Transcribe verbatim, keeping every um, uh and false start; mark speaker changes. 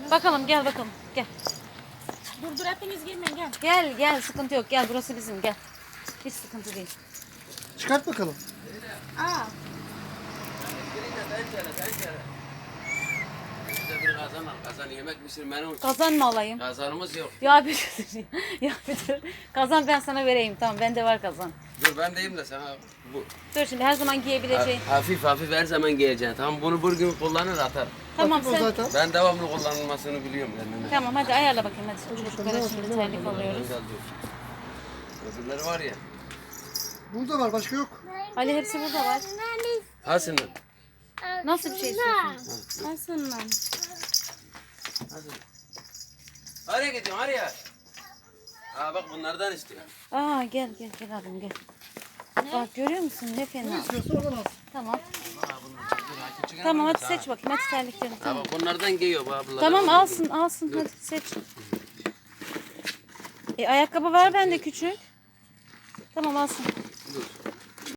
Speaker 1: Bakalım gel bakalım gel.
Speaker 2: Dur dur hepiniz girmeyin gel.
Speaker 1: Gel gel sıkıntı yok gel burası bizim gel. Hiç sıkıntı değil.
Speaker 3: Çıkart bakalım.
Speaker 2: Aa.
Speaker 4: Bize bir kazan al. Kazan yemek pişirmenin için.
Speaker 1: Kazan mı alayım?
Speaker 4: Kazanımız yok.
Speaker 1: Ya bir şey ya bir dur. Kazan ben sana vereyim tamam bende var kazan.
Speaker 4: Dur ben deyim de sana bu.
Speaker 1: Dur şimdi her zaman giyebileceğin.
Speaker 4: Ha- Hafif hafif her zaman giyeceksin. Tamam bunu bir gün kullanır atar.
Speaker 1: Tamam
Speaker 3: Hafif o
Speaker 1: sen.
Speaker 3: zaten.
Speaker 4: Ben devamlı kullanılmasını biliyorum kendime.
Speaker 1: Tamam hadi ayarla bakayım hadi. Çocuklara şimdi terlik alıyoruz.
Speaker 4: Güzel diyor. Öbürleri var ya.
Speaker 3: Burada var, başka yok.
Speaker 1: Ali hepsi burada var.
Speaker 4: Hasan.
Speaker 1: Nasıl bir şey istiyorsun?
Speaker 2: Aslında.
Speaker 4: Hasan. Nereye gidiyorsun? Nereye? Aa bak bunlardan istiyor.
Speaker 1: Aa gel gel gel abim gel. Bak görüyor musun ne
Speaker 3: Ne
Speaker 1: fena.
Speaker 3: istiyorsa oradan al.
Speaker 1: Tamam.
Speaker 4: Aa bunlar çok güzel. Ha, küçük
Speaker 1: Tamam
Speaker 4: ama
Speaker 1: hadi
Speaker 4: güzel.
Speaker 1: seç bakayım hadi terliklerini.
Speaker 4: Ha
Speaker 1: Tamam,
Speaker 4: bak bunlardan giyiyor bu ablalar.
Speaker 1: tamam alsın alsın hadi seç. E ayakkabı var bende küçük. Tamam alsın.
Speaker 4: Dur.